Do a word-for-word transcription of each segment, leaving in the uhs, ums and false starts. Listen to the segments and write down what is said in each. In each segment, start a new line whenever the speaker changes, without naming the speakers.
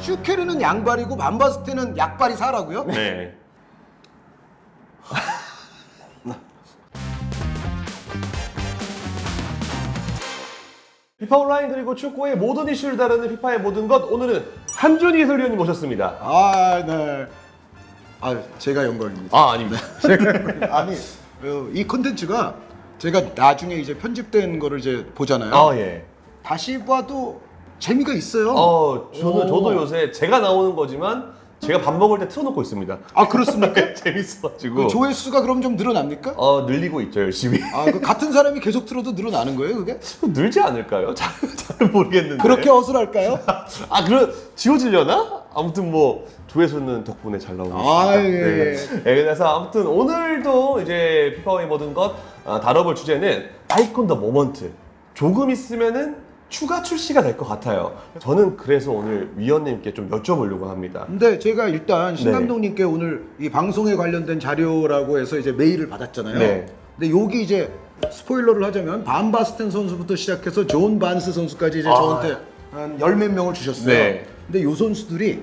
슈케르는 양발이고 반바스텐은 약발이 사라고요?
네. 피파 온라인 그리고 축구의 모든 이슈를 다루는 피파의 모든 것, 오늘은 한준희 해설위원님 모셨습니다.
아, 네. 아, 제가 영광입니다.
아, 아닙니다.
아니, 어, 이 콘텐츠가 제가 나중에 이제 편집된 거를 이제 보잖아요.
아, 예.
다시 봐도 재미가 있어요.
어, 저는
오.
저도 요새 제가 나오는 거지만 제가 밥 먹을 때 틀어놓고 있습니다.
아, 그렇습니까?
재밌어가지고.
그 조회수가 그럼 좀 늘어납니까?
어, 늘리고 있죠, 열심히.
아, 그 같은 사람이 계속 틀어도 늘어나는 거예요, 그게?
늘지 않을까요? 잘, 잘 모르겠는데.
그렇게 허술할까요?
아, 그럼 지워지려나? 아무튼 뭐 조회수는 덕분에 잘 나오고 있습니다.
아, 예.
네. 네, 그래서 아무튼 오늘도 이제 피파의 모든 것 아, 다뤄볼 주제는 아이콘 더 모먼트. 조금 있으면은 추가 출시가 될 것 같아요. 저는 그래서 오늘 위원님께 좀 여쭤보려고 합니다.
근데 제가 일단 신
네.
감독님께 오늘 이 방송에 관련된 자료라고 해서 이제 메일을 받았잖아요.
네.
근데 여기 이제 스포일러를 하자면 반 바스텐 선수부터 시작해서 존 반스 선수까지 이제
아.
저한테 한 열 몇 명을 주셨어요.
네.
근데 요 선수들이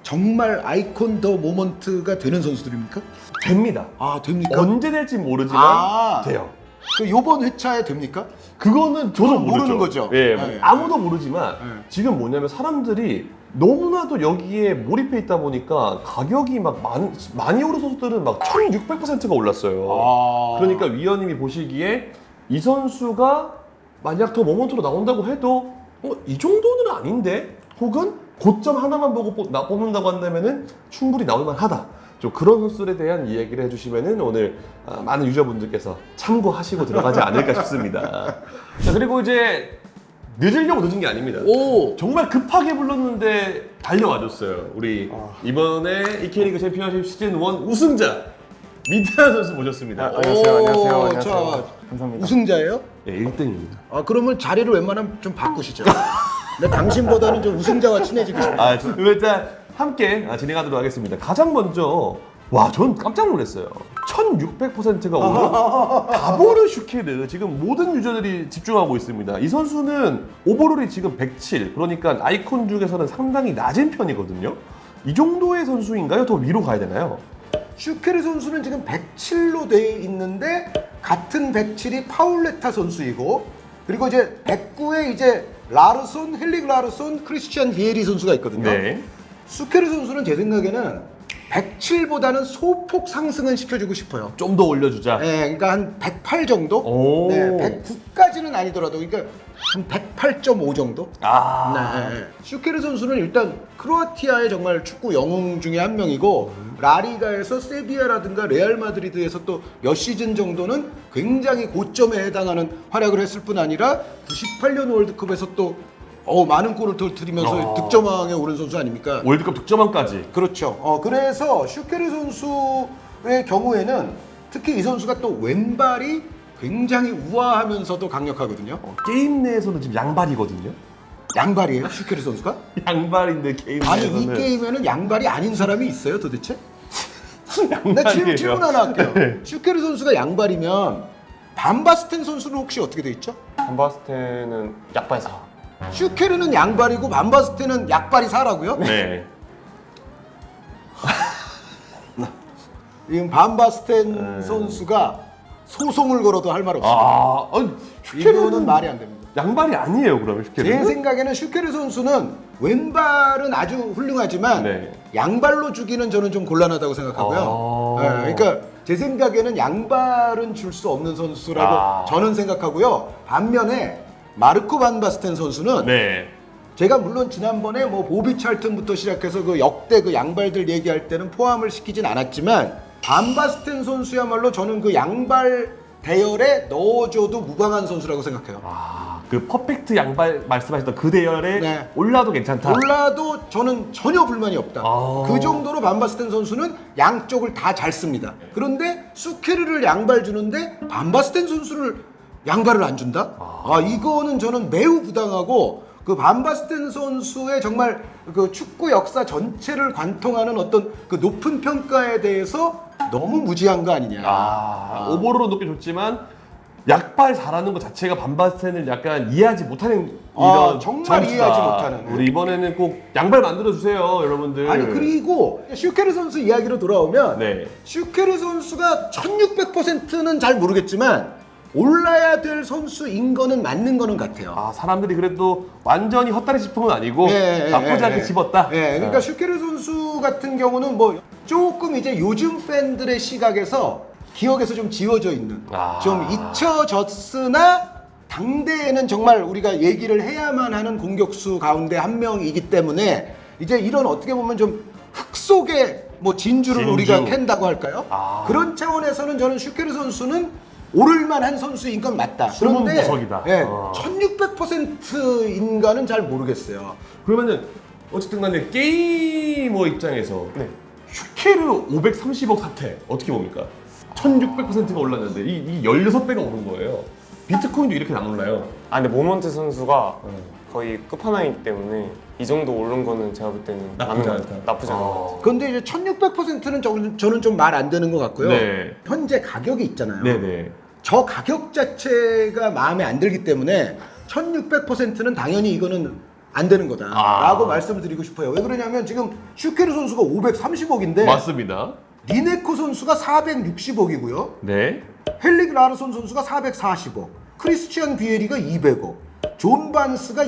정말 아이콘 더 모먼트가 되는 선수들입니까?
됩니다.
아, 됩니까?
언제 될지 모르지만
아.
돼요.
그 요번 회차에 됩니까?
그거는 저도
그건
모르죠.
모르는 거죠.
예,
네.
아무도 모르지만
네.
지금 뭐냐면 사람들이 너무나도 여기에 몰입해 있다 보니까 가격이 막 많이, 많이 오른 선수들은 막 천육백 퍼센트가 올랐어요.
아.
그러니까 위원님이 보시기에 이 선수가 만약 더 모먼트로 나온다고 해도 어, 이 정도는 아닌데? 혹은 고점 하나만 보고 뽑, 나, 뽑는다고 한다면은 충분히 나올 만하다. 좀 그런 선수들에 대한 이야기를 해주시면은 오늘 아, 많은 유저분들께서 참고하시고 들어가지 않을까 싶습니다. 자, 그리고 이제 늦으려고 늦은 게 아닙니다.
오.
정말 급하게 불렀는데 달려와줬어요. 우리
아.
이번에 이케이리그 챔피언십 시즌 일 우승자 미드한 선수 모셨습니다.
아, 안녕하세요, 안녕하세요,
오,
안녕하세요.
자,
감사합니다.
우승자예요?
예, 일 등입니다.
아, 그러면 자리를 웬만하면 좀 바꾸시죠. 나 당신보다는 좀 우승자와 친해지고 싶어요.
아, 저- 그럼 일단 함께 아, 진행하도록 하겠습니다. 가장 먼저 와, 전 깜짝 놀랐어요. 천육백 퍼센트가 오른 가보르 슈케르. 지금 모든 유저들이 집중하고 있습니다. 이 선수는 오버롤이 지금 백칠, 그러니까 아이콘 중에서는 상당히 낮은 편이거든요. 이 정도의 선수인가요? 더 위로 가야 되나요?
슈케르 선수는 지금 백칠로 돼 있는데 같은 백칠이 파울레타 선수이고, 그리고 이제 백구에 이제 라르손, 헬릭 라르손, 크리스티안 비에리 선수가 있거든요.
네.
슈케르 선수는 제 생각에는 백칠보다는 소폭 상승은 시켜주고 싶어요.
좀 더 올려주자.
네, 그러니까 한 백팔 정도?
오.
네, 백구까지는 아니더라도, 그러니까 한 백팔 점 오 정도?
아.
네. 슈케르 선수는 일단 크로아티아의 정말 축구 영웅 중에 한 명이고, 라리가에서 세비야라든가 레알 마드리드에서 또 몇 시즌 정도는 굉장히 고점에 해당하는 활약을 했을 뿐 아니라 구십팔 년 월드컵에서 또 어, 많은 골을 터뜨리면서
어.
득점왕에 오른 선수 아닙니까?
월드컵 득점왕까지.
그렇죠. 어, 그래서 슈케르 선수의 경우에는 특히 이 선수가 또 왼발이 굉장히 우아하면서도 강력하거든요.
어, 게임 내에서는 지금 양발이거든요.
양발이에요, 슈케르 선수가?
양발인데 게임
아니,
내에서는
이 게임에는 양발이 아닌 사람이 있어요, 도대체?
양발이에요.
나 질문, 질문 하나 할게요.
네.
슈케르 선수가 양발이면 반바스텐 선수는 혹시 어떻게 돼 있죠?
반바스텐은 약발사.
슈케르는 양발이고 반바스텐은 약발이 사라고요?
네.
지금 반바스텐
네.
선수가 소송을 걸어도 할 말 없어요.
아, 아니, 슈케르는
이거는 말이 안 됩니다.
양발이 아니에요, 그러면 슈케르는?
제 생각에는 슈케르 선수는 왼발은 아주 훌륭하지만
네.
양발로 주기는 저는 좀 곤란하다고 생각하고요.
아.
네, 그러니까 제 생각에는 양발은 줄 수 없는 선수라고
아.
저는 생각하고요. 반면에 마르코 반 바스텐 선수는
네.
제가 물론 지난번에 뭐 보비 찰튼부터 시작해서 그 역대 그 양발들 얘기할 때는 포함을 시키진 않았지만, 반 바스텐 선수야말로 저는 그 양발 대열에 넣어줘도 무방한 선수라고 생각해요.
아, 그 퍼펙트 양발 말씀하셨던 그 대열에
네.
올라도 괜찮다.
몰라도 저는 전혀 불만이 없다.
아.
그 정도로 반바스텐 선수는 양쪽을 다 잘 씁니다. 그런데 수케르를 양발 주는데 반바스텐 선수를 양발을 안 준다? 아, 이거는 저는 매우 부당하고, 그 반바스텐 선수의 정말 그 축구 역사 전체를 관통하는 어떤 그 높은 평가에 대해서 너무 무지한 거 아니냐.
아, 오버로는 높게 줬지만 약발 잘하는 것 자체가 반바스텐을 약간 이해하지 못하는
아,
이런
정말
점수다.
이해하지 못하는.
우리 이번에는 꼭 양발 만들어 주세요, 여러분들.
아니 그리고 슈케르 선수 이야기로 돌아오면
네.
슈케르 선수가 천육백 퍼센트는 잘 모르겠지만 올라야 될 선수인 거는 맞는 거는 같아요.
아 사람들이 그래도 완전히 헛다리 짚은 건 아니고
예, 예,
나쁘지
예,
않게
예.
집었다.
예, 그러니까
어.
슈케르 선수 같은 경우는 뭐 조금 이제 요즘 팬들의 시각에서 기억에서 좀 지워져 있는,
아.
좀 잊혀졌으나 당대에는 정말 우리가 얘기를 해야만 하는 공격수 가운데 한 명이기 때문에 이제 이런 어떻게 보면 좀 흙 속에 뭐 진주를
진주.
우리가 캔다고 할까요?
아.
그런 차원에서는 저는 슈케르 선수는 오를만한 선수인 건 맞다.
숨은
그런데
보석이다.
예,
어.
천육백 퍼센트인가는 잘 모르겠어요.
그러면은 어쨌든 간에 게이머 입장에서
네.
슈케르 오백삼십억 사태 어떻게 봅니까? 천육백 퍼센트가 올랐는데 이, 이 십육 배가 오른 거예요. 비트코인도 이렇게 안 올라요.
아 근데 모먼트 선수가 거의 끝판왕이기 때문에 이 정도 오른 거는 제가 볼 때는
나쁘지
맞는 것
않다.
같아요. 나쁘지 않은 것
어.
같아요.
근데 이제 천육백 퍼센트는 저는, 저는 좀 말 안 되는 것 같고요.
네.
현재 가격이 있잖아요.
네네.
저 가격 자체가 마음에 안 들기 때문에 천육백 퍼센트는 당연히 이거는 안 되는 거다라고
아.
말씀을 드리고 싶어요. 왜 그러냐면 지금 슈케르 선수가 오백삼십억인데
맞습니다.
리네코 선수가 사백육십억이고요.
네.
헬릭 라르손 선수가 사백사십억, 크리스티안 비에리가 이백억, 존 반스가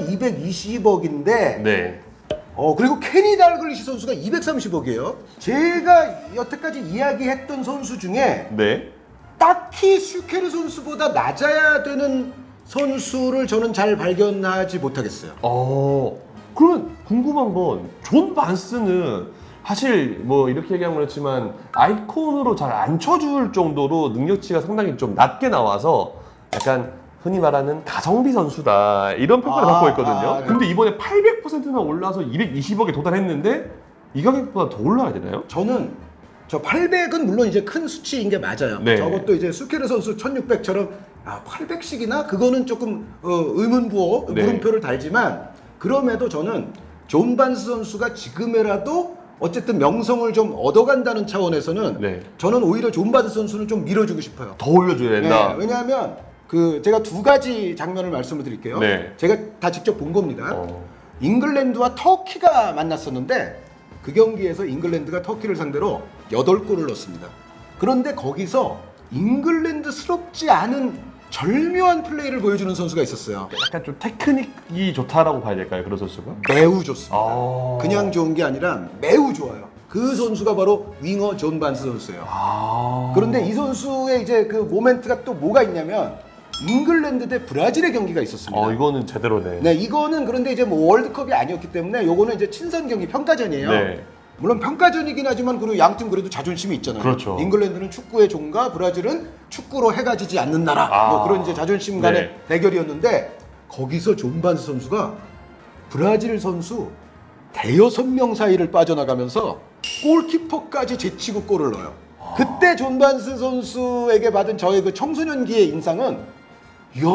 이백이십억인데
네.
어 그리고 케니 달글리시 선수가 이백삼십억이에요. 제가 여태까지 이야기했던 선수 중에
네.
딱히 슈케르 선수보다 낮아야 되는 선수를 저는 잘 발견하지 못하겠어요.
어. 그러면 궁금한 건 존 반스는 사실 뭐 이렇게 얘기하면 그렇지만 아이콘으로 잘 안 쳐줄 정도로 능력치가 상당히 좀 낮게 나와서 약간 흔히 말하는 가성비 선수다 이런 평가를
아,
받고 있거든요.
아, 네.
근데 이번에 팔백 퍼센트나 올라서 이백이십억에 도달했는데 이 가격보다 더 올라야 되나요?
저는 저 팔백은 물론 이제 큰 수치인 게 맞아요.
네.
저것도 이제 슈케르 선수 천육백처럼 아 팔백씩이나 그거는 조금 어, 의문부호
네.
물음표를 달지만 그럼에도 저는 존 반스 선수가 지금이라도 어쨌든 명성을 좀 얻어간다는 차원에서는
네.
저는 오히려 존 반스 선수는 좀 밀어주고 싶어요.
더 올려줘야 된다.
네, 왜냐하면 그 제가 두 가지 장면을 말씀을 드릴게요.
네.
제가 다 직접 본 겁니다.
어.
잉글랜드와 터키가 만났었는데 그 경기에서 잉글랜드가 터키를 상대로 여덟 골을 넣었습니다. 그런데 거기서 잉글랜드스럽지 않은 절묘한 플레이를 보여주는 선수가 있었어요.
약간 좀 테크닉이 좋다라고 봐야 될까요, 그런 선수가?
매우 좋습니다.
아.
그냥 좋은 게 아니라 매우 좋아요. 그 선수가 바로 윙어 존 반스 선수예요.
아.
그런데 이 선수의 이제 그 모멘트가 또 뭐가 있냐면 잉글랜드 대 브라질의 경기가 있었습니다.
어, 이거는 제대로네.
네, 이거는 그런데 이제 뭐 월드컵이 아니었기 때문에 요거는 이제 친선 경기 평가전이에요.
네.
물론 평가전이긴 하지만 그리고 양팀 그래도 자존심이 있잖아요.
그렇죠.
잉글랜드는 축구의 종가, 브라질은 축구로 해가 지지 않는 나라.
아.
뭐 그런 이제 자존심 간의
네.
대결이었는데 거기서 존 반스 선수가 브라질 선수 대여섯 명 사이를 빠져나가면서 골키퍼까지 제치고 골을 넣어요. 그때 존 반스 선수에게 받은 저의 그 청소년기의 인상은 이야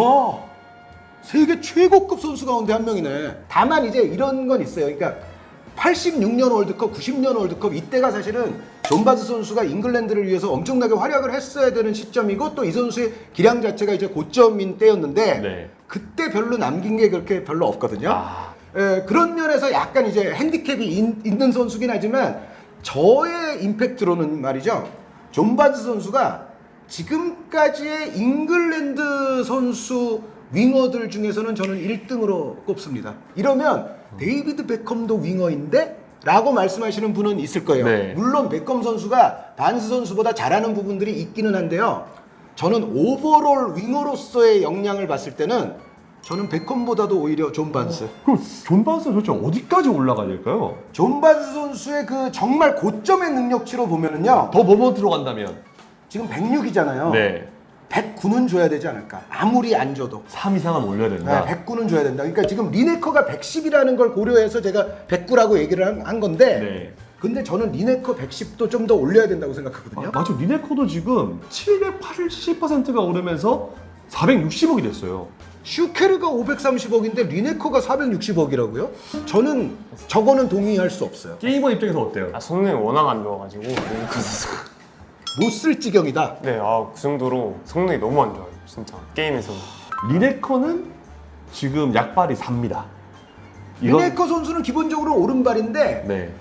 세계 최고급 선수 가운데 한 명이네. 다만 이제 이런 건 있어요. 그러니까 팔십육 년 월드컵, 구십 년 월드컵 이때가 사실은 존 반스 선수가 잉글랜드를 위해서 엄청나게 활약을 했어야 되는 시점이고 또 이 선수의 기량 자체가 이제 고점인 때였는데
네.
그때 별로 남긴 게 그렇게 별로 없거든요.
아.
에, 그런 면에서 약간 이제 핸디캡이 인, 있는 선수긴 하지만 저의 임팩트로는 말이죠. 존 반스 선수가 지금까지의 잉글랜드 선수 윙어들 중에서는 저는 일 등으로 꼽습니다. 이러면 데이비드 베컴도 윙어인데? 라고 말씀하시는 분은 있을 거예요.
네.
물론 베컴 선수가 반스 선수보다 잘하는 부분들이 있기는 한데요. 저는 오버롤 윙어로서의 역량을 봤을 때는 저는 베컴보다도 오히려 존 반스.
그럼 존 반스는 도대체 어디까지 올라가야 될까요?
존 반스 선수의 그 정말 고점의 능력치로 보면은요.
더 모먼트로 간다면
지금 백육이잖아요.
네.
백구는 줘야 되지 않을까. 아무리 안 줘도.
삼 이상은 올려야 된다.
네, 백구는 줘야 된다. 그러니까 지금 리네커가 백십이라는 걸 고려해서 제가 백구라고 얘기를 한, 한 건데
네.
근데 저는 리네커 백십도 좀 더 올려야 된다고 생각하거든요.
아, 맞아. 리네코도 지금 칠백팔십 퍼센트가 오르면서 사백육십억이 됐어요.
슈케르가 오백삼십억인데 리네커가 사백육십억이라고요? 저는 저거는 동의할 수 없어요.
게이머 입장에서 어때요?
아 성능이 워낙 안 좋아가지고 리네코 선수가
못 쓸 지경이다.
네, 아 그 정도로 성능이 너무 안 좋아요. 진짜 게임에서.
리네커는 지금 약발이 삽니다. 이건-
리네커 선수는 기본적으로 오른발인데
네.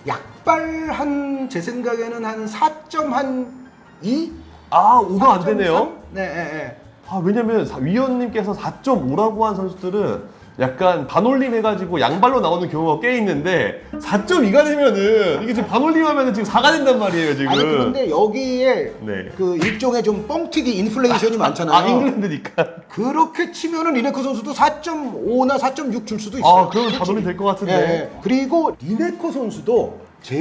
약발 한 제 생각에는 한 사 점 이?
아, 오가 안 되네요.
네, 예, 예.
아, 왜냐면 사- 위원님께서 사 점 오라고 한 선수들은 약간 반올림 해가지고 양발로 나오는 경우가 꽤 있는데 사 점 이가 되면은 이게 지금 반올림 하면은 지금 사가 된단 말이에요, 지금.
아니 그런데 여기에
네.
그 일종의 좀 뻥튀기 인플레이션이 많잖아요.
아, 잉글랜드니까.
그렇게 치면은 리네커 선수도 사 점 오나 사 점 육 줄 수도 있어요.
아, 그러면 반올림 될 것 같은데.
예, 예. 그리고 리네커 선수도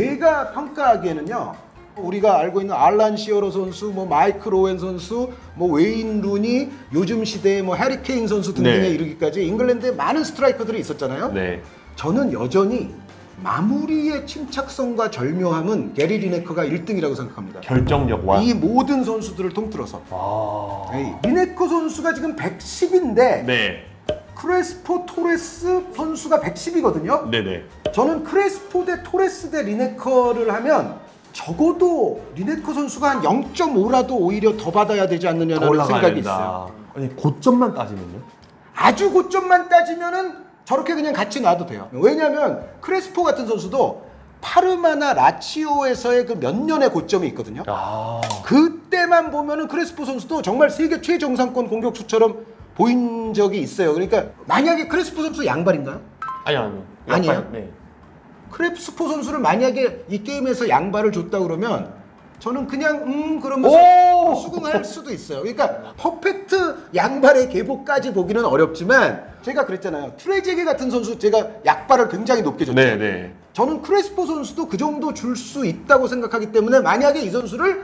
제가 평가하기에는요. 우리가 알고 있는 알란 시어러 선수, 뭐 마이클 오웬 선수, 뭐 웨인 루니, 요즘 시대의 뭐 해리 케인 선수 등등에
네.
이르기까지 잉글랜드에 많은 스트라이커들이 있었잖아요.
네.
저는 여전히 마무리의 침착성과 절묘함은 게리 리네커가 일 등이라고 생각합니다.
결정력 와.
이 모든 선수들을 통틀어서.
아.
에이, 리네커 선수가 지금 백십인데
네.
크레스포 토레스 선수가 백십이거든요.
네네.
저는 크레스포 대 토레스 대 리네커를 하면 적어도 리네커 선수가 한 영 점 오라도 오히려 더 받아야 되지
더
않느냐는
올라가야
생각이
된다.
있어요.
아니, 고점만 따지면요?
아주 고점만 따지면은 저렇게 그냥 같이 놔도 돼요. 왜냐하면 크레스포 같은 선수도 파르마나 라치오에서의 그 몇 년의 고점이 있거든요.
아.
그때만 보면은 크레스포 선수도 정말 세계 최정상권 공격수처럼 보인 적이 있어요. 그러니까 만약에 크레스포 선수 양발인가요?
아니 아니요.
아니에요?
약발, 네.
크레스포 선수를 만약에 이 게임에서 양발을 줬다 그러면 저는 그냥 음 그러면서
오!
수긍할 수도 있어요. 그러니까 퍼펙트 양발의 계보까지 보기는 어렵지만 제가 그랬잖아요. 트레제게 같은 선수 제가 약발을 굉장히 높게 줬죠.
네네.
저는 크레스포 선수도 그 정도 줄 수 있다고 생각하기 때문에 만약에 이 선수를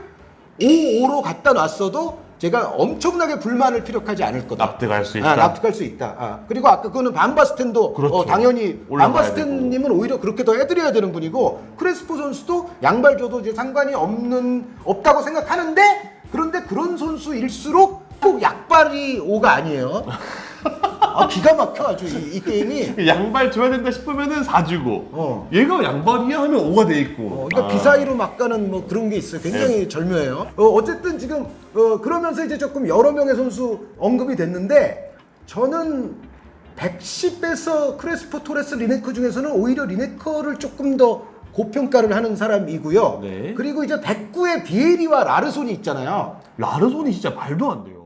오 오로 갖다 놨어도 제가 엄청나게 불만을 피력하지 않을 거다.
납득할 수 있다.
아, 납득할 수 있다. 아, 그리고 아까 그거는 반바스텐도
그렇죠.
어, 당연히
올라가야
반바스텐님은 오히려 그렇게 더 해드려야 되는 분이고 크레스포 선수도 양발 줘도 이제 상관이 없는 없다고 생각하는데 그런데 그런 선수일수록 꼭 약발이 오가 아니에요. 아, 기가 막혀 아주 이, 이 게임이.
양발 줘야 된다 싶으면은 사 주고
어.
얘가 양발이야 하면 오가 돼 있고.
어, 그러니까
아.
비사이로 막 가는 뭐 그런 게 있어요. 굉장히 절묘해요. 어, 어쨌든 지금 어, 그러면서 이제 조금 여러 명의 선수 언급이 됐는데 저는 백십에서 크레스포 토레스 리네커 중에서는 오히려 리네커를 조금 더 고평가를 하는 사람이고요.
네.
그리고 이제 백구의 비에리와 라르손이 있잖아요.
라르손이 진짜 말도 안 돼요.